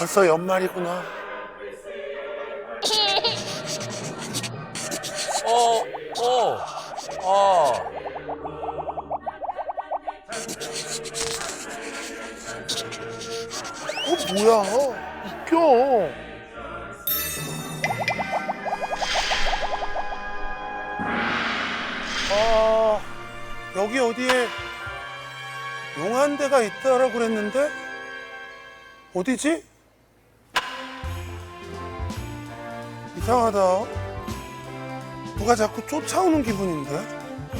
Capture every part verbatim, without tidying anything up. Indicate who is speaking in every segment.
Speaker 1: 벌써 연말이구나.
Speaker 2: 어, 어, 어.
Speaker 1: 어 뭐야? 웃겨. 아 여기 어디에 용한데가 있다라고 그랬는데 어디지? 이상하다. 누가 자꾸 쫓아오는 기분인데?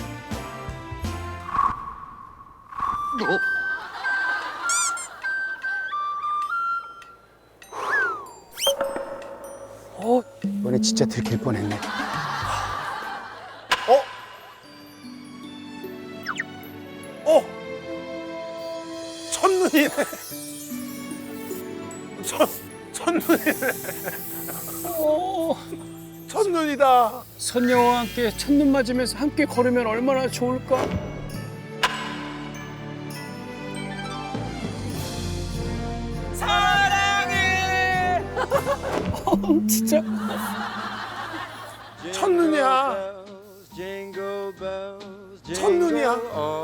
Speaker 3: 어, 이번에 진짜 들킬 뻔했네.
Speaker 1: 어? 어? 첫눈이네. 첫, 첫눈이네.
Speaker 3: 어,
Speaker 1: 첫눈이다.
Speaker 3: 선녀와 함께 첫눈 맞으면서 함께 걸으면 얼마나 좋을까?
Speaker 2: 사랑해.
Speaker 3: 어, 진짜.
Speaker 1: 첫눈이야. 첫눈이야.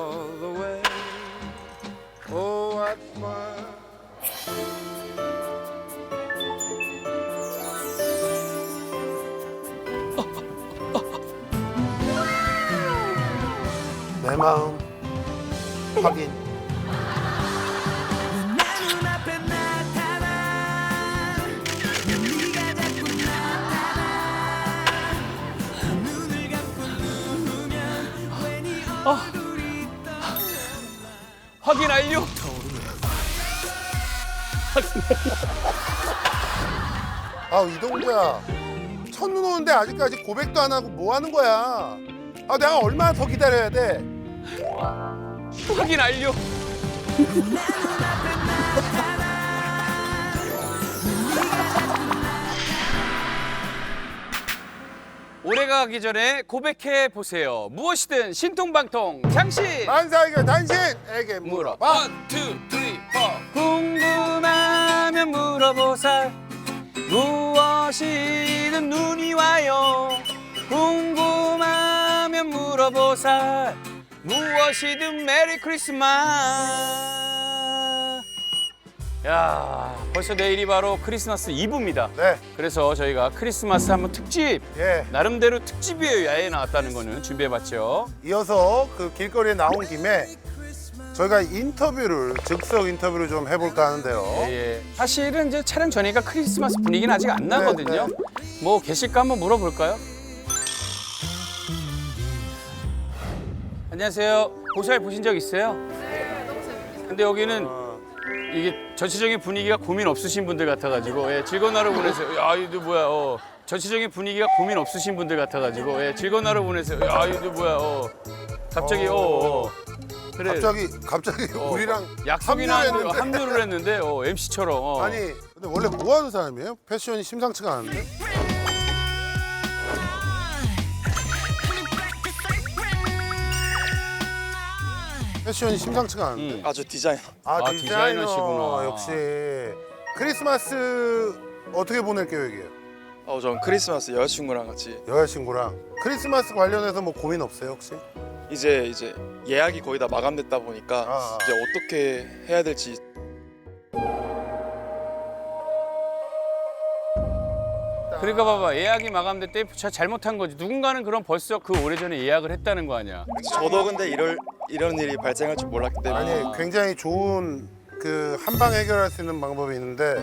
Speaker 1: 내 마음 확인.
Speaker 2: 확인 완료.
Speaker 1: 아 이동자, 첫눈 오는데 아직까지 고백도 안 하고 뭐 하는 거야? 아 내가 얼마나 더 기다려야 돼?
Speaker 2: 확인 완료. 올해가 가기 전에 고백해 보세요. 무엇이든 신통방통 장신.
Speaker 1: 만사에게 당신에게
Speaker 2: 물어.
Speaker 1: 물어봐.
Speaker 2: 원, 투, 쓰리, 포. 궁금하면 물어보살. 무엇이든 눈이 와요. 궁금하면 물어보살. 무엇이든 메리 크리스마스. 야, 벌써 내일이 바로 크리스마스 이브입니다.
Speaker 1: 네,
Speaker 2: 그래서 저희가 크리스마스 한번 특집,
Speaker 1: 예.
Speaker 2: 나름대로 특집이에요. 야외에 나왔다는 거는 준비해봤죠.
Speaker 1: 이어서 그 길거리에 나온 김에 저희가 인터뷰를 즉석 인터뷰를 좀 해볼까 하는데요.
Speaker 2: 예, 예. 사실은 이제 촬영 전이니까 크리스마스 분위기는 아직 안 나거든요.
Speaker 1: 네,
Speaker 2: 뭐 계실까 한번 물어볼까요? 안녕하세요. 보살 보신 적 있어요? 네, 너무 재밌겠어요. 근데 여기는 이게 전체적인 분위기가 고민 없으신 분들 같아가지고 예, 즐거운 하루 보내세요. 야, 이거 뭐야? 어. 전체적인 분위기가 고민 없으신 분들 같아가지고 예, 즐거운 하루 보내세요. 야, 이거 뭐야? 어. 갑자기 어. 어. 그래.
Speaker 1: 갑자기 갑자기
Speaker 2: 어,
Speaker 1: 우리랑
Speaker 2: 약속이나
Speaker 1: 합류를 했는데.
Speaker 2: 합류를 했는데 어, 엠씨처럼. 어.
Speaker 1: 아니 근데 원래 뭐 하는 사람이에요? 패션이 심상치가 않은데? 패션이 심상치가 않은데?
Speaker 2: 음.
Speaker 4: 아주 디자이너.
Speaker 1: 아,
Speaker 2: 아,
Speaker 1: 디자이너
Speaker 2: 디자이너시구나.
Speaker 1: 역시. 크리스마스 어떻게 보낼 계획이에요?
Speaker 4: 어, 전 크리스마스 여자친구랑 같이
Speaker 1: 여자친구랑. 크리스마스 관련해서 뭐 고민 없어요 혹시?
Speaker 4: 이제 이제 예약이 거의 다 마감됐다 보니까
Speaker 1: 아, 아.
Speaker 4: 이제 어떻게 해야 될지.
Speaker 2: 그러니까 봐봐, 예약이 마감될 때 자- 잘못한 거지. 누군가는 그럼 벌써 그 오래전에 예약을 했다는 거 아니야.
Speaker 4: 저도 근데 이럴 이런 일이 발생할 줄 몰랐기 때문에
Speaker 1: 아니 굉장히 좋은 그 한방 해결할 수 있는 방법이 있는데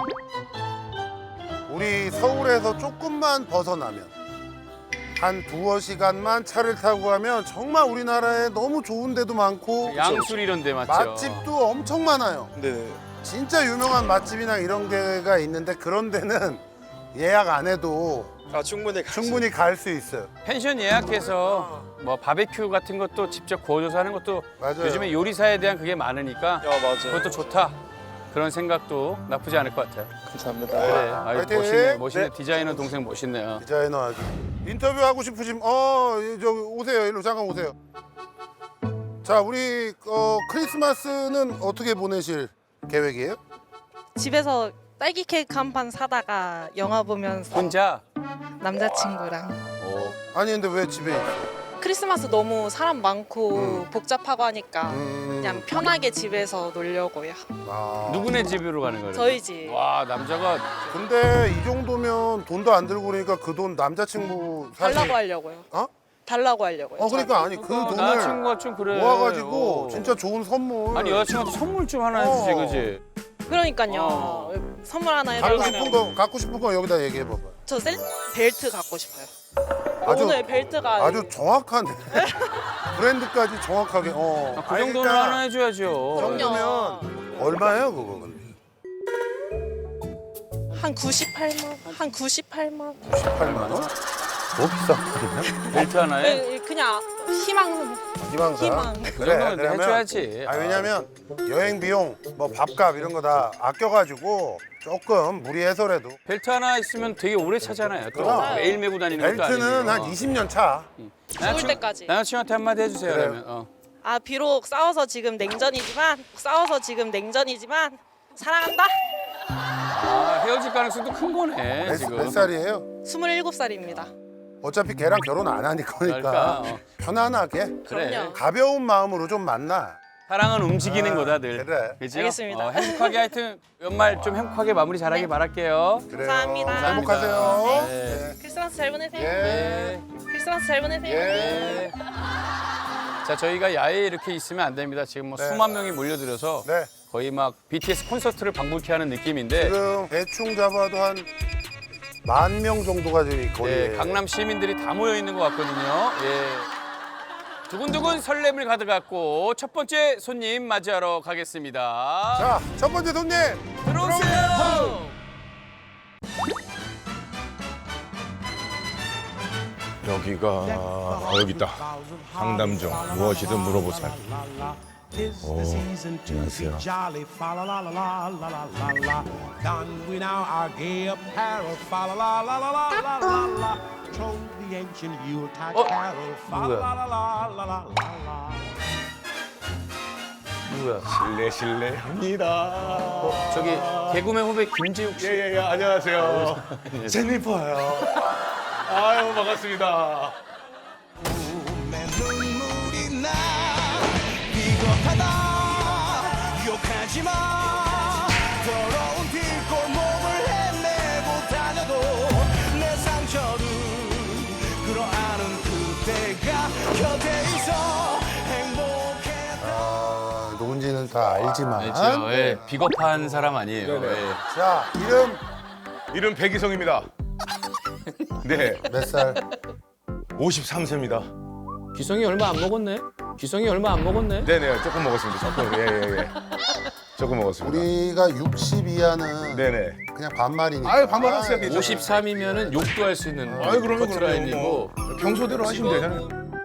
Speaker 1: 우리 서울에서 조금만 벗어나면 한 두어 시간만 차를 타고 가면 정말 우리나라에 너무 좋은 데도 많고
Speaker 2: 양술 이런 데 맞죠?
Speaker 1: 맛집도 엄청 많아요.
Speaker 4: 근데
Speaker 1: 진짜 유명한 맛집이나 이런 데가 있는데 그런 데는 예약 안 해도
Speaker 4: 아 충분히 갈 수-
Speaker 1: 충분히 갈 수 있어요.
Speaker 2: 펜션 예약해서 뭐 바베큐 같은 것도 직접 구워줘서 하는 것도
Speaker 1: 맞아요.
Speaker 2: 요즘에 요리사에 대한 그게 많으니까
Speaker 4: 야 맞아요.
Speaker 2: 그것도 좋다. 그런 생각도 나쁘지 않을 것 같아요.
Speaker 4: 감사합니다.
Speaker 2: 그래, 아유,
Speaker 1: 화이팅!
Speaker 2: 멋있네, 멋있네.
Speaker 1: 네.
Speaker 2: 디자이너 동생 멋있네요.
Speaker 1: 디자이너 아주 인터뷰 하고 싶으시면 어 저기 오세요. 일로 잠깐 오세요. 자 우리 어, 크리스마스는 어떻게 보내실 계획이에요?
Speaker 5: 집에서 딸기 케이크 한 판 사다가 영화 보면서
Speaker 2: 혼자?
Speaker 5: 남자친구랑
Speaker 2: 어.
Speaker 1: 아니 근데 왜 집에 있어?
Speaker 5: 크리스마스 너무 사람 많고
Speaker 1: 음.
Speaker 5: 복잡하고 하니까
Speaker 1: 음.
Speaker 5: 그냥 편하게 집에서 놀려고요.
Speaker 1: 아.
Speaker 2: 누구네 집으로 가는 거예요?
Speaker 5: 저희 집.
Speaker 2: 와 남자가
Speaker 1: 근데 이 정도면 돈도 안 들고 그러니까 그 돈 남자친구 사실
Speaker 5: 달라고 하려고요.
Speaker 1: 어?
Speaker 5: 달라고 하려고요.
Speaker 1: 어 그러니까 아니 그 돈을
Speaker 2: 남자친구가 좀 그래.
Speaker 1: 모아가지고
Speaker 2: 어.
Speaker 1: 진짜 좋은 선물.
Speaker 2: 아니 여자친구한테 선물 좀 하나 해주지
Speaker 1: 어.
Speaker 2: 그지?
Speaker 5: 그러니까요.
Speaker 2: 어.
Speaker 5: 선물 하나
Speaker 1: 갖고
Speaker 5: 해달라고.
Speaker 1: 싶은 거 갖고 싶은 거 여기다 얘기해 봐봐.
Speaker 5: 저 셀, 벨트 갖고 싶어요.
Speaker 1: 아주
Speaker 5: 오늘 벨트가
Speaker 1: 아주 정확한 브랜드까지 정확하게. 어.
Speaker 2: 아, 그 정도는
Speaker 1: 아니,
Speaker 2: 하나 해줘야죠.
Speaker 1: 그 정도면 얼마예요 그거 근데?
Speaker 5: 한 구십팔만 원. 한 구십팔만 원.
Speaker 1: 팔만 원? 뭐 비싸?
Speaker 2: 벨트 하나에?
Speaker 5: 네, 그냥 희망
Speaker 1: 희망사.
Speaker 5: 희망.
Speaker 2: 그 정도는 해줘야지.
Speaker 1: 아 왜냐면 여행 비용, 뭐 밥값 이런 거 다 아껴가지고 조금 무리해서라도
Speaker 2: 벨트 하나 있으면 되게 오래 차잖아요. 또
Speaker 1: 그럼.
Speaker 2: 매일 메고 다니는 것도 아니고.
Speaker 1: 벨트는 한 이십 년 차.
Speaker 2: 남자친구-
Speaker 5: 때까지.
Speaker 2: 남자친구한테 한마디 해주세요.
Speaker 1: 그래요.
Speaker 2: 그러면. 어.
Speaker 5: 아 비록 싸워서 지금 냉전이지만 싸워서 지금 냉전이지만 사랑한다.
Speaker 2: 아, 헤어질 가능성도 큰 거네
Speaker 1: 몇,
Speaker 2: 지금.
Speaker 1: 몇 살이에요?
Speaker 5: 스물일곱 살입니다.
Speaker 1: 어차피 걔랑 결혼 안 하니까 그러니까
Speaker 2: 그러니까, 어.
Speaker 1: 편안하게
Speaker 2: 그래.
Speaker 5: 그럼요.
Speaker 1: 가벼운 마음으로 좀 만나.
Speaker 2: 사랑은 움직이는
Speaker 1: 아,
Speaker 2: 거다 늘.
Speaker 1: 그래.
Speaker 2: 그죠?
Speaker 5: 알겠습니다.
Speaker 2: 어, 행복하게 하여튼 연말 좀 행복하게 마무리 잘하기
Speaker 5: 네.
Speaker 2: 바랄게요.
Speaker 1: 그래요.
Speaker 5: 감사합니다.
Speaker 1: 행복하세요.
Speaker 2: 네.
Speaker 5: 크리스마스 잘 보내세요.
Speaker 1: 예.
Speaker 2: 네.
Speaker 5: 크리스마스 잘 보내세요.
Speaker 1: 예.
Speaker 2: 네. 자 저희가 야외에 이렇게 있으면 안 됩니다. 지금 뭐
Speaker 1: 네.
Speaker 2: 수만 명이 몰려들어서
Speaker 1: 네.
Speaker 2: 거의 막 비티에스 콘서트를 방불케 하는 느낌인데
Speaker 1: 지금 대충 잡아도 한 만 명 정도가 지금 거리에.
Speaker 2: 네, 강남 시민들이 다 모여 있는 것 같거든요. 예. 두근두근 설렘을 가득갖고 첫 번째 손님 맞이하러 가겠습니다.
Speaker 1: 자, 첫 번째 손님.
Speaker 2: 들어오세요.
Speaker 6: 여기가 아, 여기 있다. 황담정 무엇이든 물어보살. 오, 안녕하세요.
Speaker 2: 누구야?
Speaker 6: 실례 실례합니다.
Speaker 2: 저기 개그맨 후배 김지욱 씨.
Speaker 6: 예예예 안녕하세요. 제니퍼요. 아유 반갑습니다.
Speaker 7: 눈물이 나 비겁하다 욕하지 마 더러운 뒷골목을 헤매고 다녀도 내 상처를 끌어안은 그대가 곁에 있어 행복해
Speaker 1: 아, 누군지는 다 알지만.
Speaker 2: 알죠. 예, 비겁한 사람 아니에요.
Speaker 6: 네네.
Speaker 2: 예.
Speaker 1: 자, 이름
Speaker 6: 이름 백이성입니다. 네,
Speaker 1: 몇 살?
Speaker 6: 오십삼 세입니다.
Speaker 2: 기성이 얼마 안 먹었네. 기성이 얼마 안 먹었네.
Speaker 6: 네네, 조금 먹었습니다. 조금 예예예. 예, 예. 조금 먹었습니다.
Speaker 1: 우리가 육십 이하는
Speaker 6: 네네.
Speaker 1: 그냥 반말이니까.
Speaker 6: 아유, 반말하세요, 괜찮아요.
Speaker 2: 오십삼이면은 욕도 할 수 있는
Speaker 6: 아유 그러면
Speaker 2: 커트라인이고.
Speaker 6: 그러면 평소대로 하시면 되잖아요.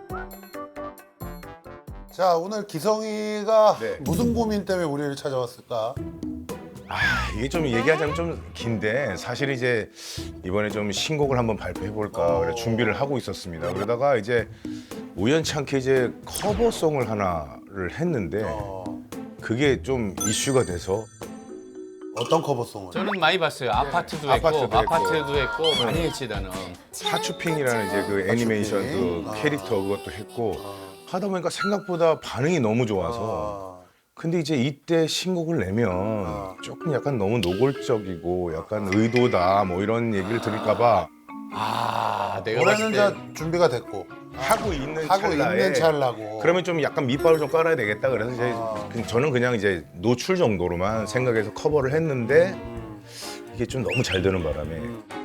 Speaker 1: 자, 오늘 기성이가
Speaker 6: 네.
Speaker 1: 무슨 고민 때문에 우리를 찾아왔을까?
Speaker 6: 아 이게 좀 얘기하자면 좀 긴데 사실 이제 이번에 좀 신곡을 한번 발표해 볼까 그래 준비를 하고 있었습니다. 그러다가 이제 우연찮게 이제 커버송을 하나를 했는데
Speaker 1: 어,
Speaker 6: 그게 좀 이슈가 돼서
Speaker 1: 어떤 커버송을?
Speaker 2: 저는 많이 봤어요. 아파트도 했고,
Speaker 6: 아파트도 했고.
Speaker 2: 아파트도 했고 많이 했지 나는.
Speaker 6: 하추핑이라는 이제 그 애니메이션 그
Speaker 1: 하추핑?
Speaker 6: 캐릭터 그것도 했고 하다 보니까 생각보다 반응이 너무 좋아서
Speaker 1: 아,
Speaker 6: 근데 이제 이때 신곡을 내면
Speaker 1: 아.
Speaker 6: 조금 약간 너무 노골적이고 약간 의도다 뭐 이런 얘기를 들을까봐
Speaker 2: 아, 내가
Speaker 1: 올해는
Speaker 2: 봤을 때
Speaker 1: 자 준비가 됐고
Speaker 6: 하고 있는
Speaker 1: 하고
Speaker 6: 찰나에
Speaker 1: 있는 찰나고.
Speaker 6: 그러면 좀 약간 밑밥을 좀 깔아야 되겠다 그래서 이제
Speaker 1: 아.
Speaker 6: 그- 저는 그냥 이제 노출 정도로만 생각해서 커버를 했는데
Speaker 1: 음,
Speaker 6: 이게 좀 너무 잘 되는 바람에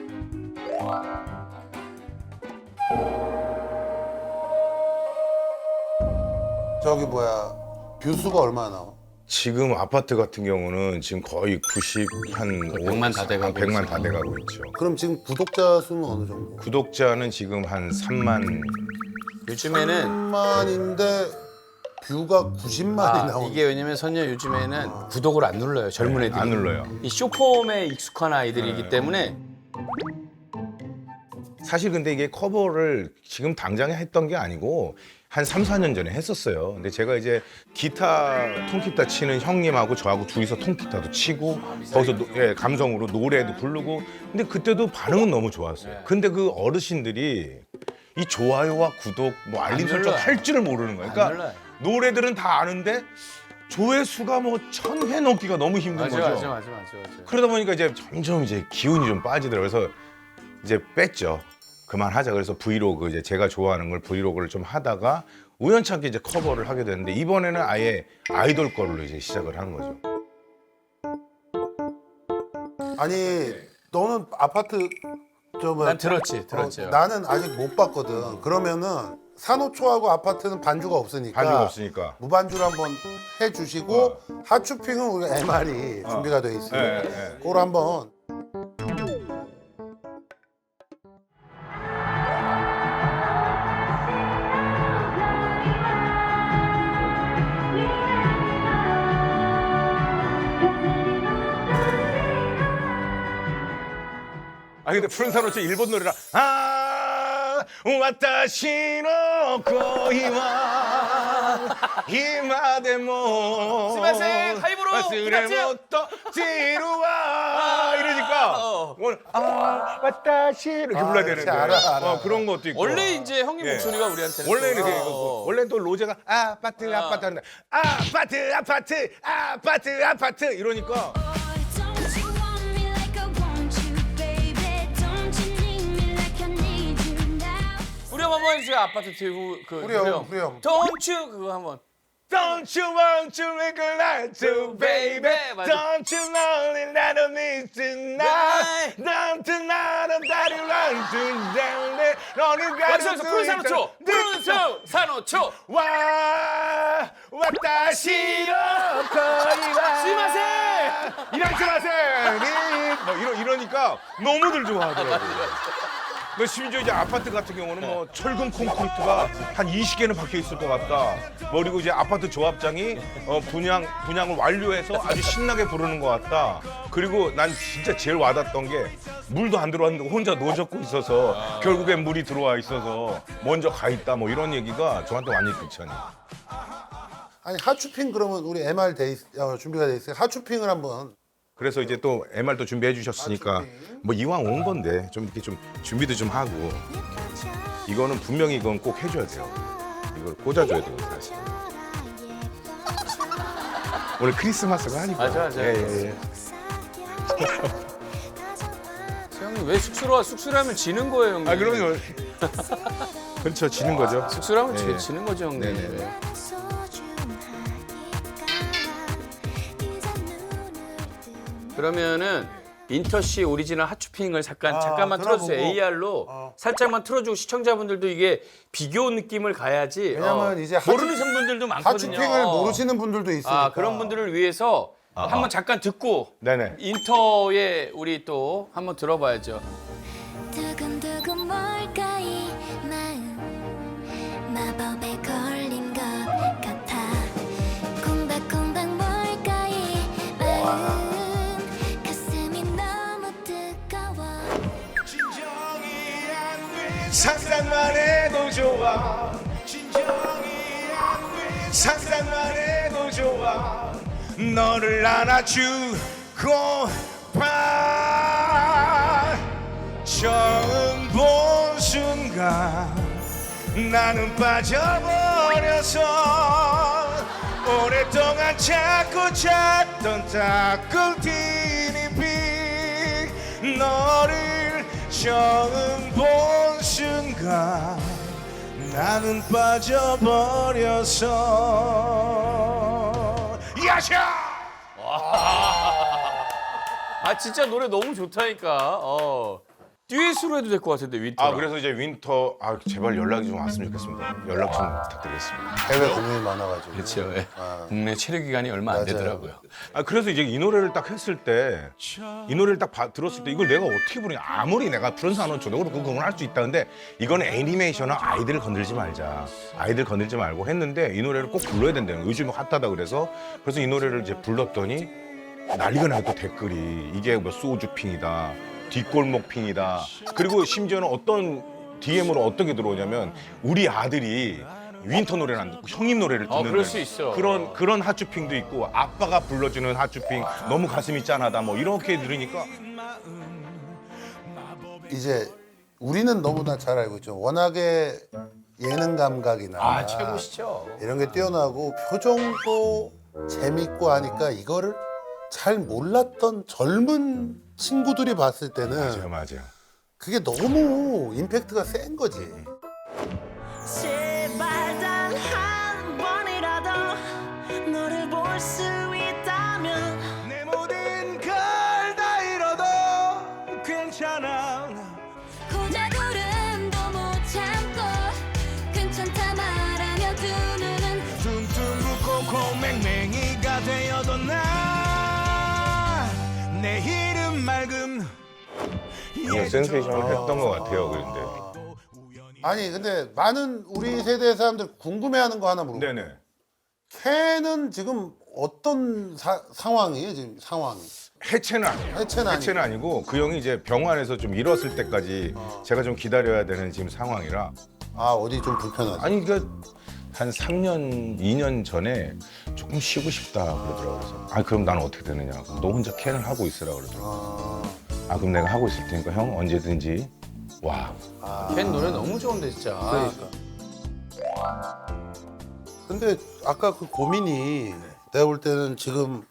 Speaker 1: 저기 뭐야 뷰수가 얼마나 나와?
Speaker 6: 지금 아파트 같은 경우는 지금 거의 구십 한
Speaker 2: 백만 다 돼가고
Speaker 6: 백만
Speaker 2: 있어요.
Speaker 6: 다 돼가고 있죠.
Speaker 1: 그럼 지금 구독자 수는 어느 정도?
Speaker 6: 구독자는 지금 한 삼만
Speaker 2: 요즘에는
Speaker 1: 삼만인데 뷰가 구십만이
Speaker 2: 아,
Speaker 1: 나오는.
Speaker 2: 이게 왜냐면 선녀 요즘에는 구독을 안 눌러요. 젊은 애들이.
Speaker 6: 안 눌러요.
Speaker 2: 이 쇼폼에 익숙한 아이들이기
Speaker 6: 네.
Speaker 2: 때문에
Speaker 6: 사실 근데 이게 커버를 지금 당장에 했던 게 아니고 한 삼, 사 년 전에 했었어요. 근데 제가 이제 기타, 통기타 치는 형님하고 저하고 둘이서 통기타도 치고 거기서 노- 예, 감성으로 노래도 부르고 근데 그때도 반응은 너무 좋았어요. 근데 그 어르신들이 이 좋아요와 구독, 뭐 알림 설정
Speaker 2: 눌러요.
Speaker 6: 할 줄을 모르는 거예요. 그러니까
Speaker 2: 눌러요.
Speaker 6: 노래들은 다 아는데 조회수가 뭐 천 회 넘기가 너무 힘든
Speaker 2: 맞아,
Speaker 6: 거죠.
Speaker 2: 맞아, 맞아, 맞아, 맞아.
Speaker 6: 그러다 보니까 이제 점점 이제 기운이 좀 빠지더라고요. 그래서 이제 뺐죠. 그만하자. 그래서 브이로그 이제 제가 좋아하는 걸 브이로그를 좀 하다가 우연찮게 이제 커버를 하게 됐는데 이번에는 아예 아이돌 걸로 이제 시작을 하는 거죠.
Speaker 1: 아니 너는 아파트 저 뭐야?
Speaker 2: 난 들었지, 들었죠.
Speaker 1: 어, 나는 아직 못 봤거든. 그러면은 산호초하고 아파트는 반주가 없으니까
Speaker 6: 반주가 없으니까.
Speaker 1: 무반주로 한번 해주시고 하추핑은 우리 엠알이 준비가 돼 있어요.
Speaker 6: 예, 예.
Speaker 1: 그걸 한번.
Speaker 6: 아 근데 푸른 산호초 일본 노래라. 아 와타시노 코이와 히마데모
Speaker 2: 스마생, 하이브로,
Speaker 6: 와스레모토 지루와 이러니까
Speaker 2: 어.
Speaker 6: 오늘 아 와타시 이렇게
Speaker 1: 아,
Speaker 6: 불러야
Speaker 1: 그렇지.
Speaker 6: 되는데
Speaker 1: 알아, 알아.
Speaker 6: 어, 그런 것도 있고
Speaker 2: 원래 이제 형님
Speaker 6: 예.
Speaker 2: 목소리가 우리한테는
Speaker 6: 원래
Speaker 2: 또-
Speaker 6: 이렇게
Speaker 2: 어.
Speaker 6: 원래 또 로제가 아파트 아파트 하는데 아파트 아파트 아파트 아파트 이러니까
Speaker 8: Don't you want me like I want you, baby? Don't you need me like I need you now?
Speaker 2: 후렴 한번 해주세요. 아파트 티브 그
Speaker 1: 후렴, 후렴.
Speaker 2: Don't you 그거 한번.
Speaker 6: Don't you want to make a light to baby
Speaker 2: 맞아.
Speaker 6: Don't you know that I don't need tonight Don't you know that I want to down 너는
Speaker 2: 완성해서 푸른 산호초, 푸른 산호초.
Speaker 6: 와 와타시로 거리와
Speaker 2: 스미마셍!
Speaker 6: 이라시마셍 뭐 이러, 이러니까 너무들 좋아하더라고요. 그 심지어 이제 아파트 같은 경우는 뭐 철근 콘크리트가 한 이십 개는 박혀 있을 것 같다. 뭐 그리고 이제 아파트 조합장이 어 분양 분양을 완료해서 아주 신나게 부르는 것 같다. 그리고 난 진짜 제일 와닿았던 게 물도 안 들어왔는데 혼자 노젓고 있어서 결국엔 물이 들어와 있어서 먼저 가 있다. 뭐 이런 얘기가 저한테 완전히 극찬이.
Speaker 1: 아니 하추핑 그러면 우리 엠알 돼 있, 어, 준비가 돼 있어요. 하추핑을 한번.
Speaker 6: 그래서 이제 또 엠알도 준비해 주셨으니까 뭐 이왕 온 건데 좀 이렇게 좀 준비도 좀 하고 이거는 분명히 이건 꼭 해줘야 돼요. 이걸 꽂아줘야 돼요 사실. 오늘 크리스마스가 아니고.
Speaker 2: 맞아, 맞아.
Speaker 6: 예, 예, 예.
Speaker 2: 형님 왜 쑥스러워? 쑥스러우면 지는 거예요, 형님.
Speaker 6: 아 그럼요. 그렇죠 지는 거죠.
Speaker 2: 쑥스러우면
Speaker 6: 예.
Speaker 2: 지- 지는 거죠, 형님.
Speaker 6: 네네.
Speaker 2: 그러면은 인터씨 오리지널 핫추핑을 잠깐
Speaker 1: 아,
Speaker 2: 잠깐만 틀어주세요.
Speaker 1: 들어보고.
Speaker 2: 에이알로
Speaker 1: 어.
Speaker 2: 살짝만 틀어주고 시청자분들도 이게 비교 느낌을 가야지.
Speaker 1: 왜냐면
Speaker 2: 어,
Speaker 1: 이제 하추-
Speaker 2: 모르는 분들도 많거든요.
Speaker 1: 하추핑을 모르시는 분들도 있으니까.
Speaker 2: 아 그런 분들을 위해서 한번 잠깐 듣고
Speaker 6: 네네.
Speaker 2: 인터에 우리 또 한번 들어봐야죠.
Speaker 8: 두근두근 뭘까 이 마음 마법에 걸린 것 같아 콩닥콩닥 뭘까 이 마음 가슴이 너무 뜨거워
Speaker 6: 상상만 해도 좋아. 상상만 해도 좋아. 너를 안아주고 봐. 처음 본 순간 나는 빠져버려서 오랫동안 찾고 찾던 따끈티니 빛 너를 처음 본 순간 나는 빠져버려서 야샤!
Speaker 2: 아 진짜 노래 너무 좋다니까. 어. 듀엣으로 해도 될 것 같은데 윈터.
Speaker 6: 아 그래서 이제 윈터 아 제발 연락이 좀 왔으면 좋겠습니다. 연락 좀 부탁드리겠습니다.
Speaker 1: 해외 공연이 많아가지고.
Speaker 2: 그렇죠. 예.
Speaker 1: 아.
Speaker 2: 국내 체류 기간이 얼마 안
Speaker 1: 맞아요.
Speaker 2: 되더라고요.
Speaker 6: 아 그래서 이제 이 노래를 딱 했을 때 이 노래를 딱 봐- 들었을 때 이걸 내가 어떻게 부르냐 아무리 내가 푸른 산호초도 그렇고 그건 할 수 있다 근데 이거는 애니메이션은 아이들을 건들지 말자 아이들 건들지 말고 했는데 이 노래를 꼭 불러야 된다는 요즘에 핫하다 그래서 그래서 이 노래를 이제 불렀더니 난리가 나요 또 댓글이 이게 뭐 소주핑이다 뒷골목핑이다 그리고 심지어는 어떤 디엠으로 어떻게 들어오냐면 우리 아들이 윈터 노래는 안 듣고 형님 노래를 듣는
Speaker 2: 어, 그럴 수 있어.
Speaker 6: 그런 그런 핫주핑도 있고 아빠가 불러주는 핫주핑 너무 가슴이 짠하다 뭐 이렇게 들으니까
Speaker 1: 이제 우리는 너무나 잘 알고 있죠. 워낙에 예능 감각이나
Speaker 2: 아 최고시죠.
Speaker 1: 이런 게 뛰어나고 표정도 재밌고 하니까 이거를 잘 몰랐던 젊은 친구들이 봤을 때는
Speaker 6: 맞아요 맞아요.
Speaker 1: 그게 너무 임팩트가 센 거지.
Speaker 7: 제발 단 한 번이라도 너를 볼 수 있다면 내 모든 걸 다 잃어도 괜찮아
Speaker 8: 고자구름도 못 참고 괜찮다 말하며 두 눈은
Speaker 7: 퉁퉁 붓고 콩맹맹이가 되어도 나내 이름 맑음
Speaker 6: 이거 센세이션을 했던 것 같아요 그런데.
Speaker 1: 아니 근데 많은 우리 세대 사람들 궁금해하는 거 하나 물어볼게요.
Speaker 6: 네네.
Speaker 1: 캔은 지금 어떤 사- 상황이에요 지금 상황이?
Speaker 6: 해체는 아니에요.
Speaker 1: 해체는 아니고.
Speaker 6: 아니고 그 형이 이제 병원에서 좀 일었을 때까지 제가 좀 기다려야 되는 지금 상황이라.
Speaker 1: 아 어디 좀 불편하지?
Speaker 6: 아니 그러니까 한 삼 년, 이 년 전에 조금 쉬고 싶다 그러더라고요. 그래서 아 그럼 나는 어떻게 되느냐? 그럼 너 혼자 캔을 하고 있으라 그러더라고요.
Speaker 1: 아,
Speaker 6: 아 그럼 내가 하고 있을 테니까 형 언제든지 와.
Speaker 2: 캔 노래 너무 좋은데 진짜.
Speaker 1: 그러니까. 근데 아까 그 고민이 내가 볼 때는 지금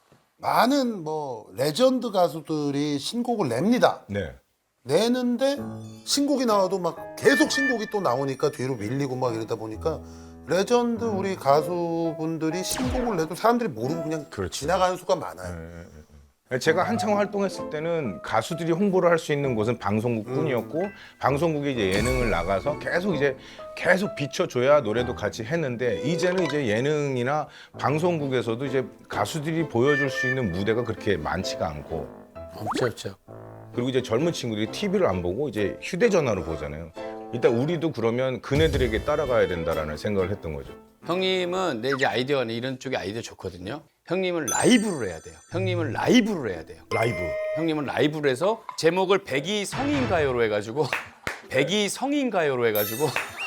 Speaker 1: 많은 뭐 레전드 가수들이 신곡을 냅니다.
Speaker 6: 네.
Speaker 1: 내는데 신곡이 나와도 막 계속 신곡이 또 나오니까 뒤로 밀리고 막 이러다 보니까 레전드 우리 가수분들이 신곡을 내도 사람들이 모르고 그냥
Speaker 6: 그렇지.
Speaker 1: 지나가는 수가 많아요.
Speaker 6: 제가 한창 활동했을 때는 가수들이 홍보를 할 수 있는 곳은 방송국뿐이었고 방송국에 이제 예능을 나가서 계속 이제 계속 비춰줘야 노래도 같이 했는데 이제는 이제 예능이나 방송국에서도 이제 가수들이 보여줄 수 있는 무대가 그렇게 많지가 않고
Speaker 2: 없죠 없죠.
Speaker 6: 그리고 이제 젊은 친구들이 티비를 안 보고 이제 휴대전화로 보잖아요. 일단 우리도 그러면 그네들에게 따라가야 된다라는 생각을 했던 거죠.
Speaker 2: 형님은 내 이제 아이디어가 이런 쪽에 아이디어 좋거든요. 형님은 라이브를 해야 돼요. 형님은 라이브를 해야 돼요.
Speaker 6: 라이브.
Speaker 2: 형님은 라이브를 해서 제목을 백이 성인가요로 해가지고 백이 성인가요로 해가지고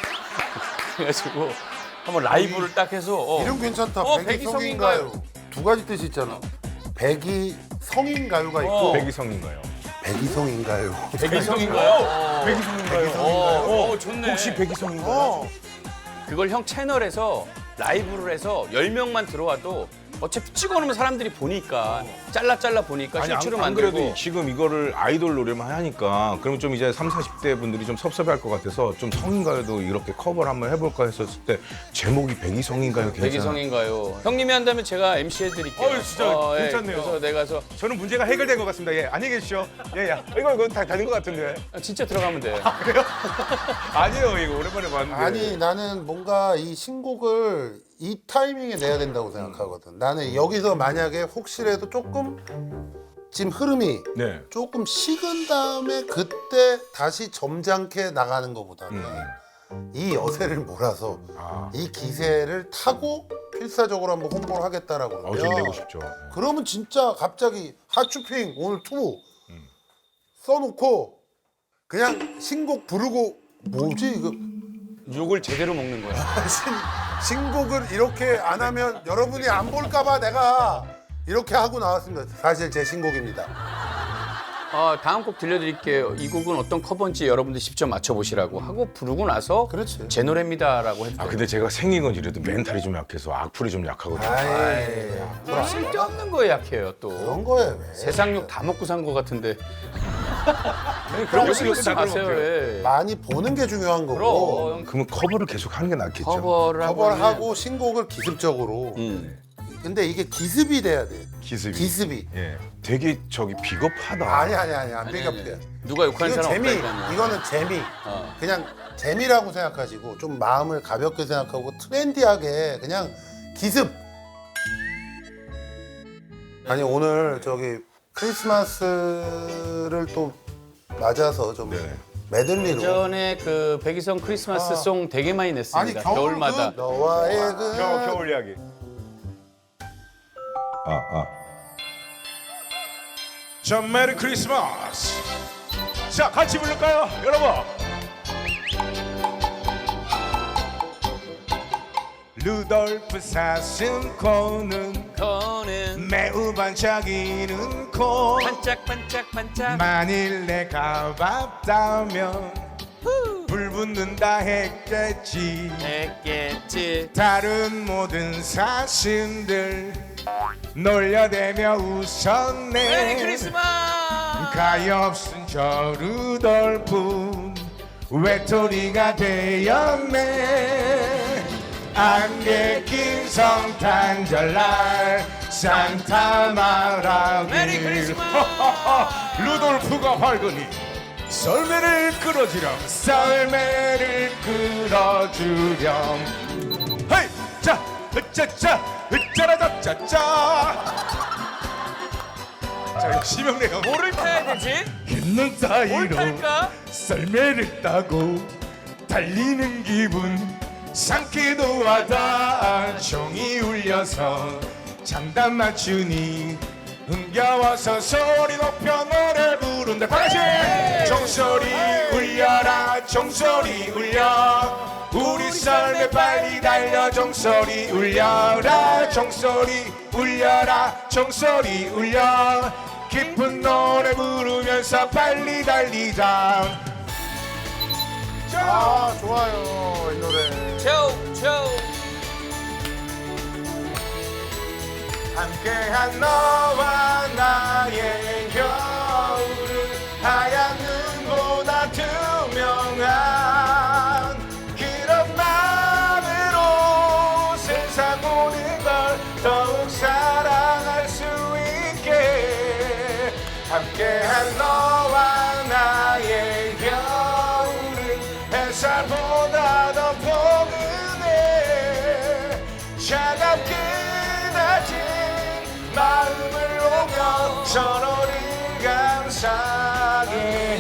Speaker 2: 해가지고 한번 라이브를 딱 해서 어.
Speaker 1: 이름 괜찮다.
Speaker 2: 어,
Speaker 1: 백이
Speaker 2: 백이
Speaker 1: 성인가요?
Speaker 2: 성인가요?
Speaker 1: 두 가지 뜻이 있잖아. 백이 성인가요가 있고
Speaker 2: 어.
Speaker 6: 백이성인가요?
Speaker 1: 백이성인가요?
Speaker 2: 백이성인가요?
Speaker 6: 백이성인가요?
Speaker 2: 어, 어, 좋네.
Speaker 6: 혹시 백이성인가요?
Speaker 1: 어.
Speaker 2: 그걸 형 채널에서 라이브를 해서 열 명만 들어와도 어차피 찍어놓으면 사람들이 보니까 잘라 잘라 보니까
Speaker 6: 아니 안,
Speaker 2: 실추로
Speaker 6: 안
Speaker 2: 만들고
Speaker 6: 그래도 지금 이거를 아이돌 노래만 하니까 그러면 좀 이제 삼사십 대 분들이 좀 섭섭해할 것 같아서 좀 성인가요도 이렇게 커버를 한번 해볼까 했었을 때 제목이 백이성인가요? 괜찮아.
Speaker 2: 백이성인가요? 형님이 한다면 제가 엠씨 해드릴게요.
Speaker 6: 어이, 진짜
Speaker 2: 예,
Speaker 6: 괜찮네요.
Speaker 2: 그래서 내가 서
Speaker 6: 저는 문제가 해결된 것 같습니다. 예, 안녕히 계십시오. 예, 예. 이거 이거 다 되는 것 같은데.
Speaker 2: 아, 진짜 들어가면 돼.
Speaker 6: 아니에요, 이거 오랜만에 봤는데.
Speaker 1: 아니 나는 뭔가 이 신곡을 이 타이밍에 내야 된다고 생각하거든. 나는 여기서 만약에 혹시라도 조금 지금 흐름이
Speaker 6: 네.
Speaker 1: 조금 식은 다음에 그때 다시 점잖게 나가는 것보다는 이 여세를 몰아서
Speaker 6: 아,
Speaker 1: 이 기세를 타고 필사적으로 한번 홍보를 하겠다라고
Speaker 6: 어, 좀
Speaker 1: 그러면
Speaker 6: 내고 싶죠.
Speaker 1: 그러면 진짜 갑자기 핫쇼핑 오늘 투 써놓고 그냥 신곡 부르고 뭐지 이거
Speaker 2: 욕을 제대로 먹는 거야.
Speaker 1: 신, 신곡을 이렇게 안 하면 여러분이 안 볼까봐 내가 이렇게 하고 나왔습니다. 사실 제 신곡입니다.
Speaker 2: 아, 다음 곡 들려드릴게요. 이 곡은 어떤 커버인지 여러분들 직접 맞춰보시라고 하고 부르고 나서
Speaker 1: 그렇지.
Speaker 2: 제 노래입니다라고 해도
Speaker 6: 아,
Speaker 2: 돼요.
Speaker 6: 근데 제가 생긴 건 이래도 멘탈이 좀 약해서 악플이 좀 약하거든요.
Speaker 1: 아이,
Speaker 2: 뭐 쓸데없는 거에 약해요 또.
Speaker 1: 그런 거예요. 왜.
Speaker 2: 세상 욕 다 먹고 산 거 같은데. 그런 거 신경 쓰지
Speaker 6: 다
Speaker 2: 마세요.
Speaker 6: 먹어요.
Speaker 2: 왜.
Speaker 1: 많이 보는 게 중요한 거고
Speaker 2: 그럼
Speaker 6: 그러면 커버를 계속 하는 게 낫겠죠.
Speaker 2: 커버를 하고
Speaker 1: 커버를 하고 신곡을 기습적으로.
Speaker 2: 음.
Speaker 1: 근데 이게 기습이 돼야 돼.
Speaker 6: 기습이.
Speaker 1: 기습이.
Speaker 6: 예. 되게 저기 비겁하다.
Speaker 1: 아니 아니 아니 안 비겁해.
Speaker 2: 누가 욕하는
Speaker 1: 이거
Speaker 2: 사람
Speaker 1: 재미.
Speaker 2: 없다니까요.
Speaker 1: 이거는 재미.
Speaker 2: 어.
Speaker 1: 그냥 재미라고 생각하시고 좀 마음을 가볍게 생각하고 트렌디하게 그냥 기습. 아니 오늘 저기 크리스마스를 또 맞아서 좀
Speaker 6: 네.
Speaker 1: 메들리로.
Speaker 2: 예전에 그 백이성 크리스마스
Speaker 1: 아.
Speaker 2: 송 되게 많이 냈습니다.
Speaker 1: 아니 겨울
Speaker 2: 겨울마다.
Speaker 1: 그 너와의 그
Speaker 6: 겨울, 겨울 이야기. 아, 아. 자, 메리 크리스마스. 자, 같이 부를까요, 여러분? 루돌프 사슴코는
Speaker 2: 거는
Speaker 6: 매우 반짝이는 코.
Speaker 2: 반짝반짝반짝
Speaker 6: 만일 내가 봤다면 불 붙는다 했겠지.
Speaker 2: 했겠지.
Speaker 6: 다른 모든 사슴들 놀려대며 웃었네.
Speaker 2: 메리 크리스마스.
Speaker 6: 가엾은 저 루돌프 외톨이가 되었네. 안개 낀 성탄절날 산타 마라길.
Speaker 2: 메리 크리스마스.
Speaker 6: 루돌프가 밝으니 썰매를 끌어주렴. 썰매를 끌어주렴. 헤이 자 으짜짜 으짜라짜짜짜. 자 역시 명래가
Speaker 2: 뭐를 타야 되지?
Speaker 6: 있는
Speaker 2: 뭘
Speaker 6: 사이로
Speaker 2: 탈까?
Speaker 6: 썰매를 타고 달리는 기분 상쾌도 하다. 종이 울려서 장단 맞추니 흥겨워서 소리 높여 노래 부른다. 다시 종소리 울려라 종소리 울려. 우리 썰매 빨리 달려 종소리 울려라 종소리 울려라 종소리 울려. 깊은 노래 부르면서 빨리 달리자.
Speaker 1: 아 좋아요 이 노래.
Speaker 2: 초, 초.
Speaker 6: 함께한 너와 나의 겨울은 하얀 눈보다 투명한 그런 마음으로 세상 모든 걸 더욱 사랑할 수 있게. 함께한 너와 나의 겨울은 햇살보다 더 포근해. 차갑게 낮은 마음을 오며 서로를 감싸게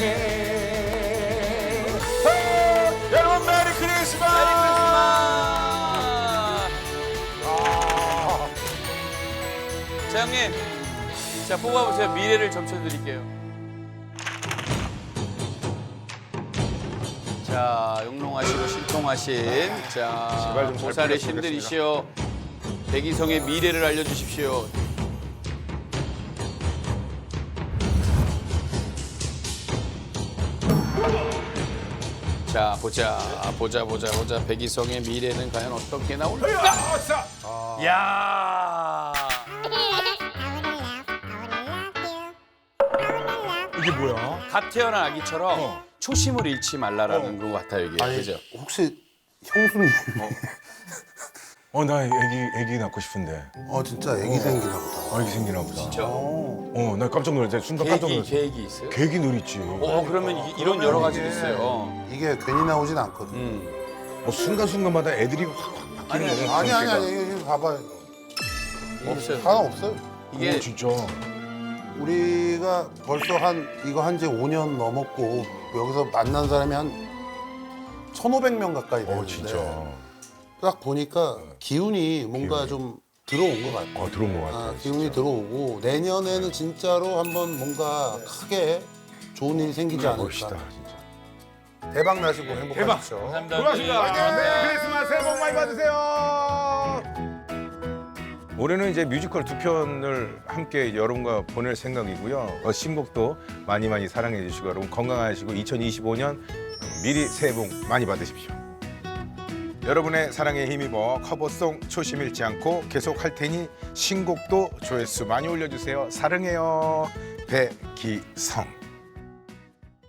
Speaker 6: 해. 오, 여러분 메리 크리스마스.
Speaker 2: 메리 크리스마스. 자 형님, 자 뽑아보세요. 미래를 점쳐드릴게요. 자 용롱하시고 신통하신 자
Speaker 6: 제발 좀잘
Speaker 2: 보살의
Speaker 6: 부탁드리겠습니다.
Speaker 2: 신들이시여 백이성의 미래를 알려주십시오. 자 보자 보자 보자 보자 백이성의 미래는 과연 어떻게 나올까? 야
Speaker 6: 이게 뭐야?
Speaker 2: 갓 태어난 아기처럼 초심을 잃지 말라라는 것 같아요 이게.
Speaker 1: 아니
Speaker 2: 그죠?
Speaker 1: 혹시 형수님
Speaker 6: 어 나 애기 애기 낳고 싶은데.
Speaker 1: 어 진짜 애기 생기나 보다.
Speaker 6: 애기 생기나 보다.
Speaker 2: 진짜?
Speaker 6: 어 나 깜짝 놀랐어. 순간 깜짝
Speaker 2: 계획이
Speaker 6: 놀랐어.
Speaker 2: 계획이 있어요?
Speaker 6: 계획이 늘 있지.
Speaker 2: 어 그러면 이- 이런 여러 가지가 있어요. 어.
Speaker 1: 이게 괜히 나오진 않거든.
Speaker 2: 음.
Speaker 6: 뭐 순간순간마다 애들이 확확 바뀌는 거야.
Speaker 1: 아니 아니 아니 이거 봐봐요.
Speaker 2: 없어요.
Speaker 1: 하나 없어요.
Speaker 2: 이게
Speaker 6: 오, 진짜.
Speaker 1: 우리가 벌써 한 이거 한 지 오 년 넘었고 여기서 만난 사람이 한 천오백 명 가까이 되는데
Speaker 6: 어 진짜.
Speaker 1: 딱 보니까 기운이 뭔가
Speaker 6: 기운이.
Speaker 1: 좀 들어온 것 같아.
Speaker 6: 어 들어온 것 같아.
Speaker 1: 아, 기운이 들어오고 내년에는 진짜로 한번 뭔가 크게 좋은 일이 생기지 않을까.
Speaker 6: 멋있다 진짜.
Speaker 1: 대박 나시고 행복하십시오.
Speaker 2: 감사합니다.
Speaker 6: 고맙습니다. 메리 크리스마스 새해 복 많이 받으세요. 올해는 이제 뮤지컬 두 편을 함께 여러분과 보낼 생각이고요. 어, 신곡도 많이 많이 사랑해 주시고 여러분 건강하시고 이천이십오 년 미리 새해 복 많이 받으십시오. 여러분의 사랑에 힘입어 커버송 초심 잃지 않고 계속 할 테니 신곡도 조회수 많이 올려주세요. 사랑해요. 백기성.